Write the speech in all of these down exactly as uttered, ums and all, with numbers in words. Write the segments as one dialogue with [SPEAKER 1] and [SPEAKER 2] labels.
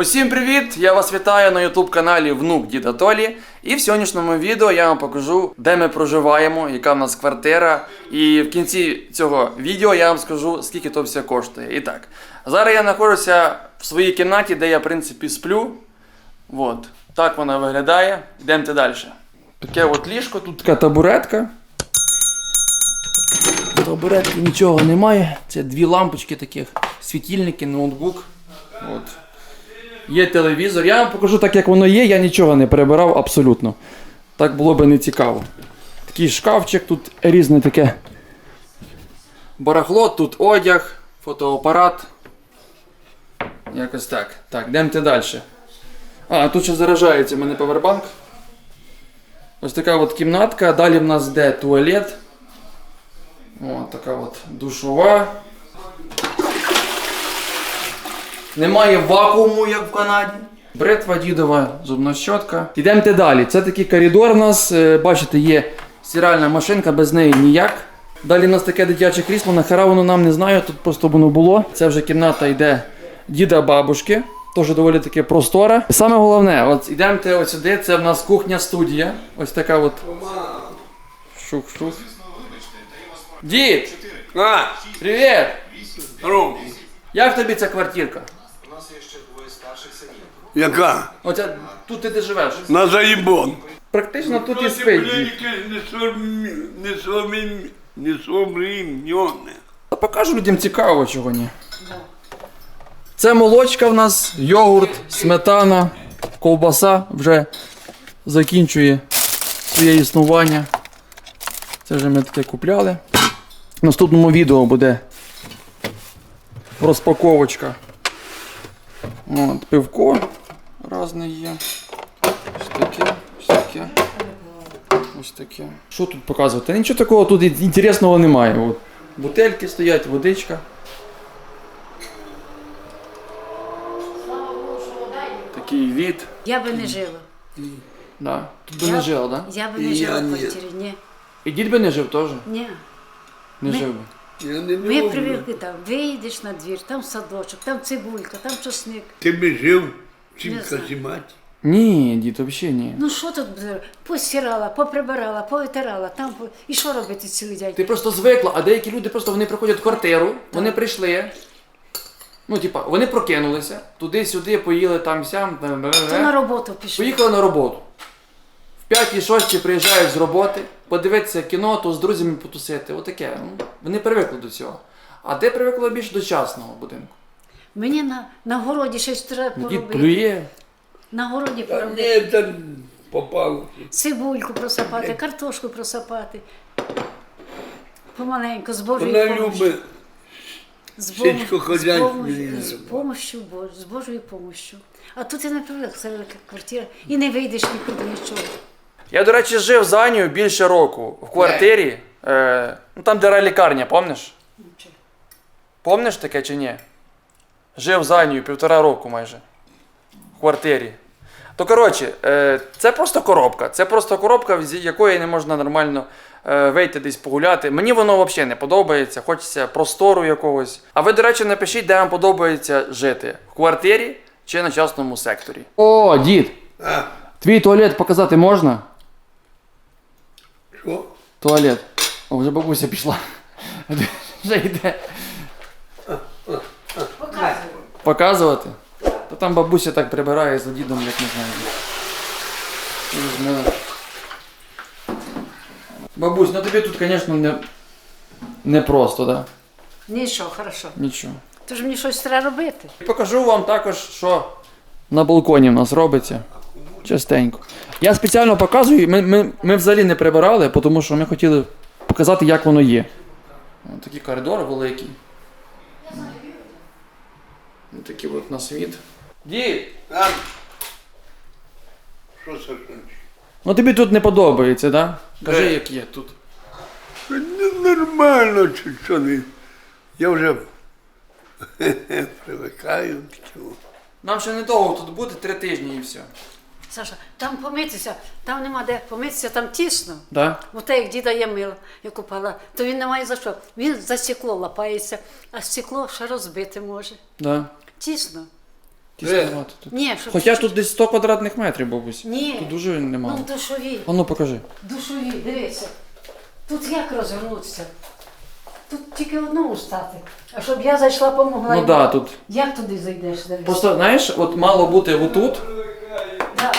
[SPEAKER 1] Усім привіт! Я вас вітаю на ютуб каналі Внук Діда Толі. І в сьогоднішньому відео я вам покажу, де ми проживаємо, яка в нас квартира. І в кінці цього відео я вам скажу, скільки то все коштує. І так, зараз я знаходжуся в своїй кімнаті, де я в принципі сплю. От, так вона виглядає. Йдемте далі. Таке от ліжко, тут така табуретка. В табуретки нічого немає. Це дві лампочки таких, світильники, ноутбук. От. Є телевізор. Я вам покажу так, як воно є, я нічого не перебирав абсолютно. Так було би не цікаво. Такий шкафчик, тут різне таке барахло, тут одяг, фотоапарат. Якось так. Так, йдемте далі. А, тут ще заряджається в мене павербанк. Ось така от кімнатка, далі в нас йде туалет. О, така от душова. Немає вакууму, як в Канаді. Бритва дідова, зубна щотка. Йдемте далі. Це такий коридор у нас. Бачите, є стиральна машинка, без неї ніяк. Далі у нас таке дитяче крісло, нахера воно нам не знаю, тут просто воно було. Це вже кімната йде діда-бабушки. Теж доволі таки простора. Саме головне, от йдемте ось сюди, це в нас кухня-студія. Ось така от. Шух-шух. Дід!
[SPEAKER 2] А,
[SPEAKER 1] Привіт!
[SPEAKER 2] Ром,
[SPEAKER 1] Як тобі ця квартирка?
[SPEAKER 2] яка?
[SPEAKER 1] Оця, тут ти де живеш?
[SPEAKER 2] На заїбон.
[SPEAKER 1] Практично тут і спить дід.
[SPEAKER 2] Не современне.
[SPEAKER 1] Та покажу людям цікаво, чого ні. Це молочка в нас, йогурт, сметана, ковбаса вже закінчує своє існування. Це вже ми таке купляли. В наступному відео буде розпаковочка. От, пивко різне є. Ось таке, ось таке. Ось таке. Що тут показувати? Нічого такого тут інтересного немає. От, бутельки стоять, водичка. Такий від.
[SPEAKER 3] Я би не жила.
[SPEAKER 1] Да. Тут би
[SPEAKER 3] Я-
[SPEAKER 1] не жив, да?
[SPEAKER 3] Я би
[SPEAKER 2] І
[SPEAKER 3] не жила
[SPEAKER 2] я
[SPEAKER 3] в
[SPEAKER 2] ні.
[SPEAKER 3] квартирі. Ні.
[SPEAKER 1] І дід би не жив теж?
[SPEAKER 3] Ні.
[SPEAKER 1] Не
[SPEAKER 3] Ми-
[SPEAKER 1] жив би.
[SPEAKER 2] Я не
[SPEAKER 3] Ми
[SPEAKER 2] люблю.
[SPEAKER 3] привикли там, вийдеш на двір, там садочок, там цибулька, там часник.
[SPEAKER 2] Ти би жив чим
[SPEAKER 3] Не знаю.
[SPEAKER 2] казімати.
[SPEAKER 1] Ні, дід, взагалі ні.
[SPEAKER 3] Ну що тут буде? Постирала, поприбирала, повитирала, там по- і що робити цілий день?
[SPEAKER 1] Ти просто звикла, а деякі люди просто вони приходять в квартиру, вони прийшли. Ну, типа, вони прокинулися, туди-сюди, поїли там-сям,
[SPEAKER 3] То на роботу пішли.
[SPEAKER 1] поїхали на роботу. В п'ятій-шостій приїжджають з роботи, подивитися кіно, то з друзями потусити. Отаке. Ну, вони привикли до цього. А ти привикла більше до частного будинку.
[SPEAKER 3] Мені на, на городі щось треба
[SPEAKER 1] Дід
[SPEAKER 3] поробити.
[SPEAKER 1] плює.
[SPEAKER 3] На городі
[SPEAKER 2] Та
[SPEAKER 3] поробити.
[SPEAKER 2] ні, там попало.
[SPEAKER 3] Цибульку просапати, картошку просапати. Помаленьку, з Божою
[SPEAKER 2] Вона
[SPEAKER 3] помощю.
[SPEAKER 2] любить.
[SPEAKER 3] З Богом-
[SPEAKER 2] сільськохозяйство
[SPEAKER 3] з Богом-
[SPEAKER 2] її
[SPEAKER 3] з
[SPEAKER 2] любить.
[SPEAKER 3] помощю Бож- з Божою помощю. А тут і не привик, це велика квартира. І не вийдеш нікуди нічого.
[SPEAKER 1] Я, до речі, жив з Анією більше року в квартирі, е, ну там, де лікарня, пам'ятаєш? Помниш таке чи ні? Жив з Анією півтора року майже. В квартирі. То коротше, е, це просто коробка. Це просто коробка, з якої не можна нормально е, вийти десь погуляти. Мені воно взагалі не подобається, хочеться простору якогось. А ви, до речі, напишіть, де вам подобається жити. В квартирі чи на частному секторі. О, дід!
[SPEAKER 2] А,
[SPEAKER 1] Твій туалет показати можна?
[SPEAKER 2] що?
[SPEAKER 1] Туалет. О, вже бабуся пішла. Вже йде.
[SPEAKER 3] Показую.
[SPEAKER 1] Показувати? Та там бабуся так прибирає за дідом, як не знаю. Візьме. Бабусь, ну тобі тут, звісно, не, не просто, да?
[SPEAKER 3] Нічого, хорошо.
[SPEAKER 1] Нічого.
[SPEAKER 3] Тож мені щось треба робити.
[SPEAKER 1] Покажу вам також, що на балконі в нас робиться. Частенько. Я спеціально показую, ми, ми, ми взагалі не прибирали, тому що ми хотіли показати, як воно є. Ось такий коридор великий. Ось такий от на світ. Дід!
[SPEAKER 2] А? Що це значить?
[SPEAKER 1] Ну тобі тут не подобається, так? Да? Кажи,
[SPEAKER 2] Де?
[SPEAKER 1] як є тут.
[SPEAKER 2] Ну, нормально, чи що не. Я вже привикаю до цього.
[SPEAKER 1] Нам ще недовго тут буде, три тижні і все.
[SPEAKER 3] Саша, там помитися, там нема де помитися, там тісно.
[SPEAKER 1] Да?
[SPEAKER 3] Бо те, як діда є мило, я купала, то він не має за що. Він за стекло лапається, а стекло ще розбити може.
[SPEAKER 1] Да.
[SPEAKER 3] Тісно.
[SPEAKER 1] Тісновато тут.
[SPEAKER 3] Ні, щоб
[SPEAKER 1] Хоча
[SPEAKER 3] чуть-чуть.
[SPEAKER 1] тут десь сто квадратних метрів, бабусь.
[SPEAKER 3] Ні.
[SPEAKER 1] Тут дуже немало.
[SPEAKER 3] Ну, душові.
[SPEAKER 1] А ну покажи.
[SPEAKER 3] Душові, дивися. Тут як розвернутися? Тут тільки одному стати. А щоб я зайшла, помогла.
[SPEAKER 1] Ну
[SPEAKER 3] йому.
[SPEAKER 1] да, тут.
[SPEAKER 3] Як туди зайдеш? Дивись?
[SPEAKER 1] Просто, знаєш, от мало бути отут,
[SPEAKER 3] Да.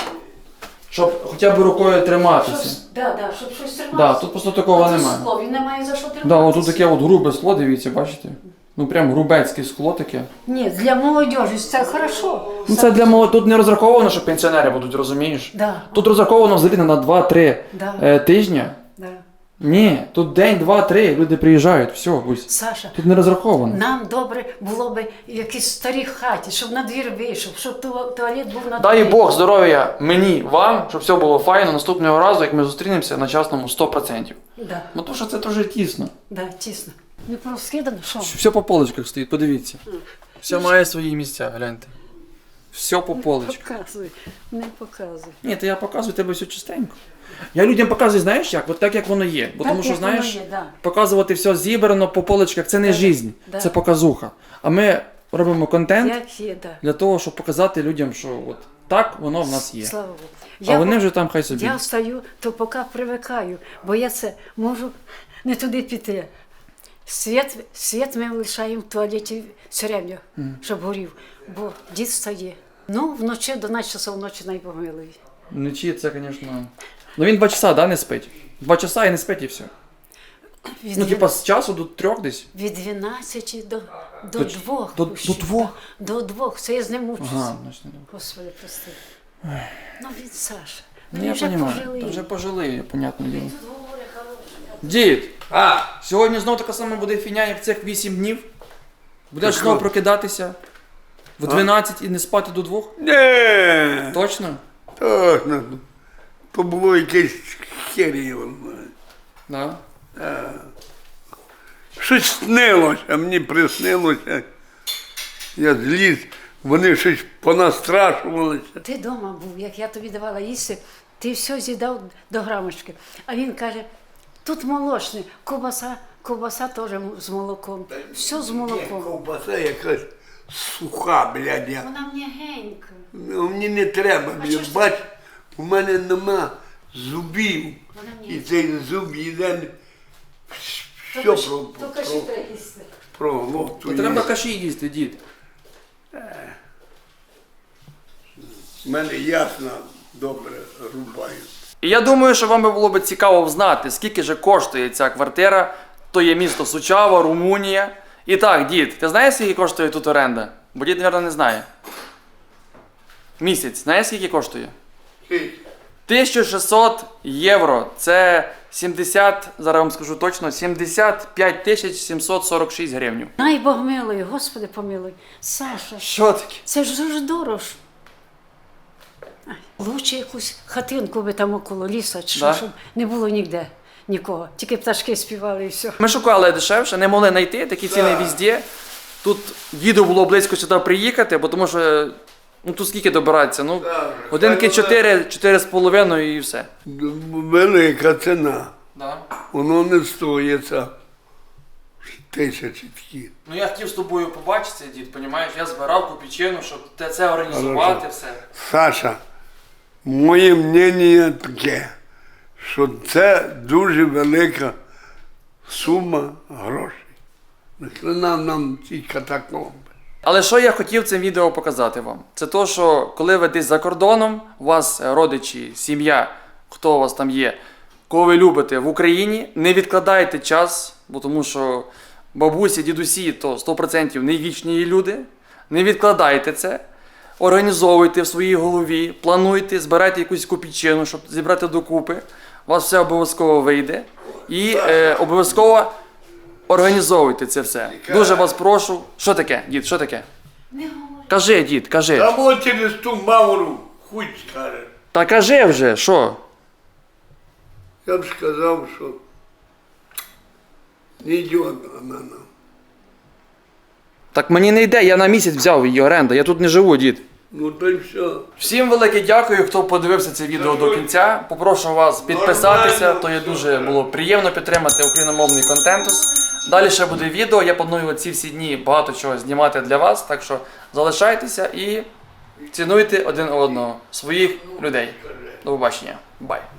[SPEAKER 1] щоб хоча б рукою триматися.
[SPEAKER 3] Щоб, да, да, щоб щось триматися.
[SPEAKER 1] Да, тут просто такого
[SPEAKER 3] А тут
[SPEAKER 1] немає.
[SPEAKER 3] скло, він не має за що триматися.
[SPEAKER 1] Да, отут таке от грубе скло, дивіться, бачите? Ну прям грубецьке скло таке.
[SPEAKER 3] Ні, для молодіжі це хорошо.
[SPEAKER 1] Ну це для молоді, тут не розраховано, що пенсіонери будуть, розумієш?
[SPEAKER 3] Да.
[SPEAKER 1] Тут розраховано взагалі на два-три
[SPEAKER 3] Да.
[SPEAKER 1] е, тижні.
[SPEAKER 3] Да.
[SPEAKER 1] Ні, тут день, два-три, люди приїжджають, все, будь.
[SPEAKER 3] Саша,
[SPEAKER 1] Тут не розраховано.
[SPEAKER 3] нам добре було б в якійсь старій хаті, щоб на двір вийшов, щоб ту- туалет був на
[SPEAKER 1] Дай
[SPEAKER 3] дворі.
[SPEAKER 1] Бог здоров'я мені, вам, щоб все було файно наступного разу, як ми зустрінемося на частному сто відсотків.
[SPEAKER 3] Да,
[SPEAKER 1] Ну то що це дуже тісно.
[SPEAKER 3] да, тісно. Не порозкидано, що?
[SPEAKER 1] Все по полочках стоїть, подивіться. Все має свої місця, гляньте. Все по полочках.
[SPEAKER 3] Показуй, не показуй.
[SPEAKER 1] Ні, то я показую тебе все чистенько. Я людям показую, знаєш як? От так як воно є. Бо
[SPEAKER 3] Так,
[SPEAKER 1] тому що,
[SPEAKER 3] як воно
[SPEAKER 1] знаєш,
[SPEAKER 3] є, да.
[SPEAKER 1] показувати все зібрано по полочках це не
[SPEAKER 3] Да,
[SPEAKER 1] жизнь,
[SPEAKER 3] да.
[SPEAKER 1] це показуха. А ми робимо контент
[SPEAKER 3] Як є, да.
[SPEAKER 1] для того, щоб показати людям, що от так воно в нас є.
[SPEAKER 3] Слава Богу.
[SPEAKER 1] А вони вже там хай собі.
[SPEAKER 3] Я встаю, то поки привикаю, бо я це можу не туди піти. Світ, світ ми лишаємо в туалеті все время, щоб горів, бо дід стає. Ну, вночі до дванадцяти часов ночі найпомилує.
[SPEAKER 1] Вночі це, звісно. Ну він два часа, да, не спить. Два часа і не спить і все.
[SPEAKER 3] Від,
[SPEAKER 1] Ну, типа з часу до трьох десь.
[SPEAKER 3] від дванадцяти до, до,
[SPEAKER 1] До-
[SPEAKER 3] двох.
[SPEAKER 1] до-
[SPEAKER 3] пущу.
[SPEAKER 1] до двох?
[SPEAKER 3] До двох. Це я з ним мучуся.
[SPEAKER 1] Ага, значить не добре.
[SPEAKER 3] Господи, прости. Ну, він Саша.
[SPEAKER 1] Ну
[SPEAKER 3] Він
[SPEAKER 1] я
[SPEAKER 3] вже
[SPEAKER 1] розумію,
[SPEAKER 3] пожилий.
[SPEAKER 1] та вже пожили, понятне діло.
[SPEAKER 3] Тут говорить хороше.
[SPEAKER 1] Дід,
[SPEAKER 2] А,
[SPEAKER 1] сьогодні знов така сама буде фіня, як цих вісім днів. Будеш
[SPEAKER 2] Так
[SPEAKER 1] знову
[SPEAKER 2] от.
[SPEAKER 1] прокидатися в дванадцять і не спати до двох?
[SPEAKER 2] не,
[SPEAKER 1] Точно?
[SPEAKER 2] точно. То було якесь херіво.
[SPEAKER 1] Да.
[SPEAKER 2] Щось снилося, мені приснилося. Я зліз, вони щось понастрашувалися.
[SPEAKER 3] Ти вдома був, як я тобі давала їсти, ти все з'їдав до грамочки. А він каже, тут молочне, ковбаса, ковбаса теж з молоком. Все з
[SPEAKER 2] Ні,
[SPEAKER 3] молоком.
[SPEAKER 2] ковбаса якась суха, блядь. Я.
[SPEAKER 3] Вона м'ягенька.
[SPEAKER 2] Ну, мені не треба,
[SPEAKER 3] А чого
[SPEAKER 2] блядь.
[SPEAKER 3] ж
[SPEAKER 2] Бач, у мене нема зубів.
[SPEAKER 3] Вона
[SPEAKER 2] І
[SPEAKER 3] м'ягенька.
[SPEAKER 2] цей зуб їде все
[SPEAKER 3] Тільки ж-
[SPEAKER 2] про,
[SPEAKER 3] Тільки що
[SPEAKER 2] про,
[SPEAKER 3] треба їсти.
[SPEAKER 2] про
[SPEAKER 1] То
[SPEAKER 2] глоту.
[SPEAKER 1] треба каші їсти, дід.
[SPEAKER 2] У мене ясно добре рубаю.
[SPEAKER 1] І я думаю, що вам би було б цікаво знати, скільки же коштує ця квартира. То є місто Сучава, Румунія. І так, дід, ти знаєш, скільки коштує тут оренда? Бо дід, мабуть, не знає. Місяць, знаєш, скільки коштує? тисяча шістсот євро. Це сімдесят, зараз вам скажу точно, сімдесят п'ять тисяч сімсот сорок шість гривень.
[SPEAKER 3] Най Бог милуй, Господи помилуй. Саша,
[SPEAKER 1] Що таке?
[SPEAKER 3] це ж дуже дорого. ж. Ай, лучше якусь хатинку би там около ліса, чи що,
[SPEAKER 1] Да?
[SPEAKER 3] щоб не було ніде нікого. Тільки пташки співали і все.
[SPEAKER 1] Ми шукали дешевше, не могли знайти, такі ціни везде. Тут діду було близько сюди приїхати, бо тому що ну тут скільки добиратися? Ну,
[SPEAKER 2] Так,
[SPEAKER 1] годинки
[SPEAKER 2] хай
[SPEAKER 1] чотири, чотири з половиною і все.
[SPEAKER 2] Велика ціна.
[SPEAKER 1] Да.
[SPEAKER 2] Воно не стоїться тисячі такі.
[SPEAKER 1] Ну я хотів з тобою побачитися, дід, розумієш? Я збирав копійчину, щоб те це організувати,
[SPEAKER 2] Хорошо.
[SPEAKER 1] все.
[SPEAKER 2] Саша, моє мнення таке, що це дуже велика сума грошей. Нахрена нам ці катакомби.
[SPEAKER 1] Але що я хотів цим відео показати вам? Це то, що коли ви десь за кордоном, у вас родичі, сім'я, хто у вас там є, кого ви любите в Україні, не відкладайте час, бо тому що бабусі, дідусі то сто відсотків не вічні люди. Не відкладайте це, організовуйте в своїй голові, плануйте, збирайте якусь копійчину, щоб зібрати докупи. У вас все обов'язково вийде. І е, обов'язково організовуйте це все. Дуже вас прошу. Що таке, дід, що таке?
[SPEAKER 3] Не говори.
[SPEAKER 1] Кажи, дід, кажи.
[SPEAKER 2] Або через ту мавру хуй скаже.
[SPEAKER 1] Та кажи вже, що?
[SPEAKER 2] Я б сказав, що не йде вона нам.
[SPEAKER 1] Так мені не йде, я на місяць взяв її оренду, я тут не живу, дід.
[SPEAKER 2] Ну то й все.
[SPEAKER 1] Всім велике дякую, хто подивився це відео до кінця. Попрошу вас підписатися, то є дуже було приємно підтримати україномовний контентус. Далі ще буде відео, я планую ці всі дні багато чого знімати для вас, так що залишайтеся і Цінуйте один одного, своїх людей. До побачення. Бай.